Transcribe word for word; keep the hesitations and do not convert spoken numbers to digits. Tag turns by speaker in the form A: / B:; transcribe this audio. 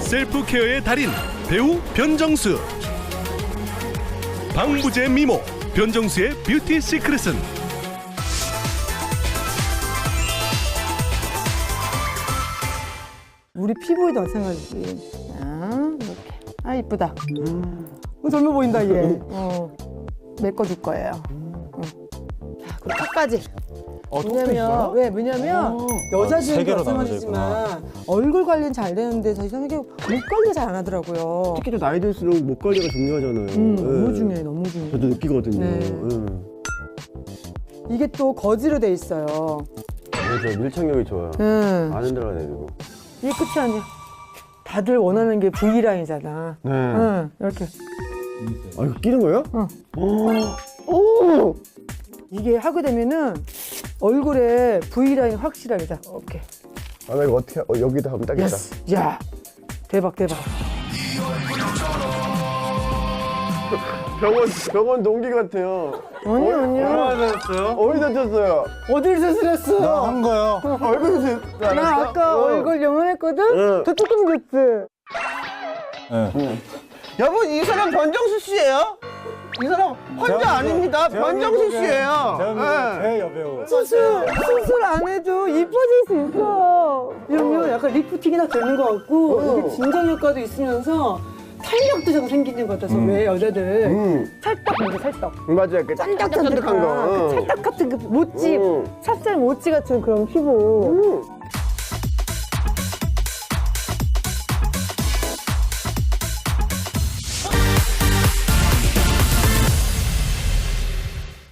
A: 셀프 케어의 달인 배우 변정수. 방부제 미모 변정수의 뷰티 시크릿은
B: 우리 피부에도 마찬가지지. 아, 이렇게. 아, 이쁘다. 어, 젊어 보인다, 얘. 어, 메꿔줄 거예요. 어. 자, 그리고 턱까지.
C: 어, 턱도
B: 왜냐면,
C: 있어요?
B: 왜, 왜냐면,
C: 세
B: 여자들은
C: 개로
B: 마찬가지지만, 얼굴 관리는 잘 되는데, 저 이상하게 목 관리 잘 안 하더라고요.
D: 특히 또 나이 들수록 목 관리가 중요하잖아요.
B: 음,
D: 예.
B: 너무 중요해, 너무 중요해.
D: 저도 느끼거든요.
B: 네.
D: 예.
B: 이게 또 거즈로 돼 있어요.
D: 그래서 밀착력이 좋아요.
B: 응.
D: 안 흔들어내고.
B: 이게 끝이 아니야. 다들 원하는 게 V라인이잖아.
D: 네.
B: 응, 이렇게.
D: 아, 이거 끼는 거예요?
B: 응.
D: 오! 오!
B: 이게 하게 되면은 얼굴에 V라인 확실하게 다. 오케이.
D: 아, 나 이거 어떻게, 어, 여기다 하면 딱이다.
B: 예스. 야, 대박, 대박.
D: 병원, 병원 동기 같아요.
B: 아니, 아니야.
C: 하셨어요?
D: 어디 다쳤어요?
B: 어딜 수술했어?
C: 나 한 거요.
D: 얼굴에서
B: 나 아까 얼굴 영원했거든?
D: 응.
B: 더 조금 됐지?
C: 네.
E: 여러분 이 사람 변정수 씨예요? 이 사람 혼자 아닙니다. 변정수 씨예요.
C: 대한민국
E: 네.
C: 대여배우.
B: 수술, 수술 안 해도 이뻐질 수 있어. 이러면 약간 리프팅이나 되는 것 같고, 이게 진정 효과도 있으면서 탄력도 좀 생기는 것 같아서 왜 여자들
D: 음.
B: 찰떡 먼저 찰떡.
D: 맞아요. 그
B: 짠득짠득한
D: 짠득짠득한 거.
B: 그 찰떡 같은 그 모찌,
D: 음.
B: 찹쌀 모찌 같은 그런 피부.
D: 음.